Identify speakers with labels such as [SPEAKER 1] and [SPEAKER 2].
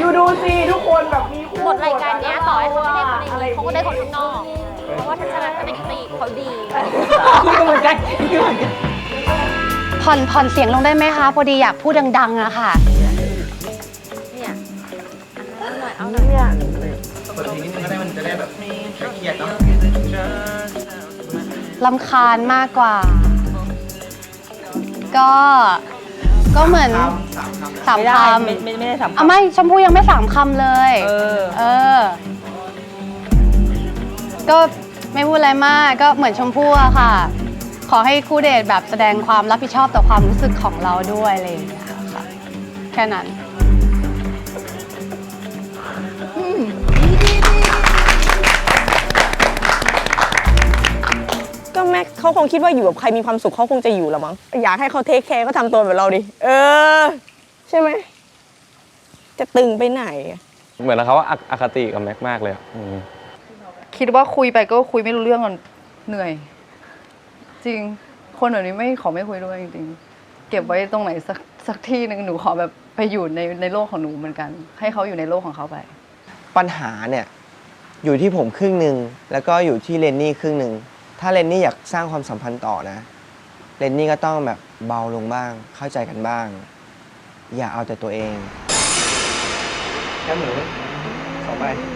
[SPEAKER 1] ดูสิทุกคนแบบมีคู่
[SPEAKER 2] หมดรายการเนี้ยต่อให้เขาไม่ได้คนในนี้เขาก็ได้คนข้างนอก เพราะว่าทัศนคติเขาดี
[SPEAKER 1] เหมือนกันเหมือนกัน
[SPEAKER 3] ผ่อนเสียงลงได้ไหมคะพอดีอยากพูดดังๆอะค่ะ
[SPEAKER 2] เนี่ยเอาหน่อย
[SPEAKER 1] เนี่ย
[SPEAKER 4] เปิดเพลงนิดนึงก็ได้มันจะได้แบบเครียดเนาะ
[SPEAKER 3] รำคาญมากกว่า ก็เหมือนสามคำ
[SPEAKER 1] ไม่ได้สาม
[SPEAKER 3] อ่ะไม่ชมพู่ยังไม่3 คำเลย เออ ก็ไม่พูดอะไรมากก็เหมือนชมพู่อะค่ะ ขอให้คู่เดทแบบแสดงความรับผิดชอบต่อความรู้สึกของเราด้วยอะไรอย่างเงี้ยค่ะแค่นั้น
[SPEAKER 1] ก็แม็กเขาคงคิดว่าอยู่กับใครมีความสุขเขาคงจะอยู่ละมั้งอยากให้เขาเทคแคร์ก็ทำตัวแบบเราดิใช่ไหมจะตึงไปไหน
[SPEAKER 5] เหมือนเขาว่าอคติกับแม็กมากเลยอะ
[SPEAKER 6] คิดว่าคุยไปก็คุยไม่รู้เรื่องกันเหนื่อย จริงคนแบบนี้ไม่คุยด้วยจริงๆเก็บไว้ตรงไหนสักที่หนึ่งหนูขอแบบไปอยู่ในโลกของหนูเหมือนกัน ให้เขาอยู่ในโลกของเขาไป
[SPEAKER 7] ปัญหาเนี่ยอยู่ที่ผมครึ่งหนึ่งแล้วก็อยู่ที่เรนนี่ครึ่งหนึ่งถ้าเรนนี่อยากสร้างความสัมพันธ์ต่อนะเรนนี่ก็ต้องแบบเบาลงบ้างเข้าใจกันบ้าง อย่าเอาแต่ตัวเอง
[SPEAKER 4] แค่หมู2 ใบ